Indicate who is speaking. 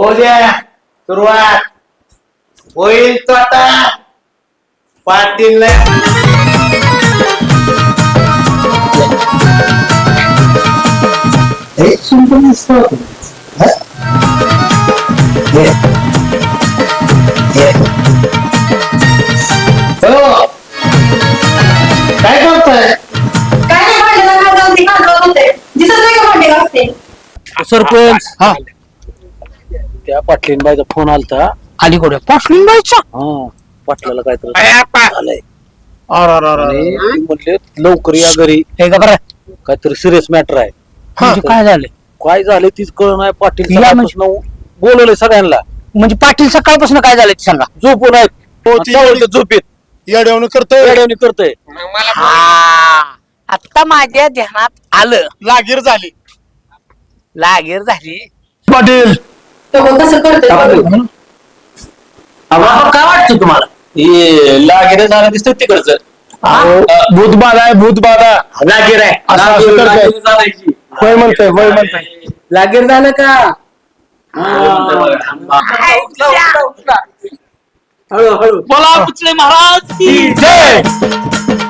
Speaker 1: होऊ द्या सुरुवात होईल तो आता पाटील काय करतोय
Speaker 2: काय नाही भांड्याला खाजवती खाजवत होते दिसत नाही का भांडे घासते
Speaker 3: सरपंच हा त्या पाटलीनबाईचा फोन आलता
Speaker 4: अलीकडे पाटलीनबाईचा
Speaker 3: हा पाटलाला काय तर झालंय
Speaker 4: अरे
Speaker 3: आणि ते म्हटले लवकर या घरी
Speaker 4: हे का बरं
Speaker 3: काहीतरी सिरियस मॅटर आहे
Speaker 4: म्हणजे काय झालं
Speaker 3: काय झालं तीच कळ नाही पाटील
Speaker 4: या म्हणजे-
Speaker 3: सकाळपासून बोलवलंय सगळ्यांना
Speaker 4: म्हणजे पाटील सकाळपासून काय झालं ते सांगा
Speaker 3: झोपून आहेत झोपेत
Speaker 5: येड्यावून करतोय
Speaker 3: येड्यावानी करतोय
Speaker 4: आता माझ्या ध्यानात आलं
Speaker 5: लागीर झाली
Speaker 4: लागेर झाली
Speaker 5: पाटील
Speaker 2: तो बघ कसं करतोय
Speaker 4: काय वाटतं तुम्हाला
Speaker 1: हे लागेल झालं दिसत तिकडचं
Speaker 5: भूतबाधा आहे भूतबाधा
Speaker 1: लागेल आहे
Speaker 5: असं करतोय. वय म्हणतोय वय म्हणतोय
Speaker 1: लागेल झालं का
Speaker 3: बोला पुचले महाराज
Speaker 5: जय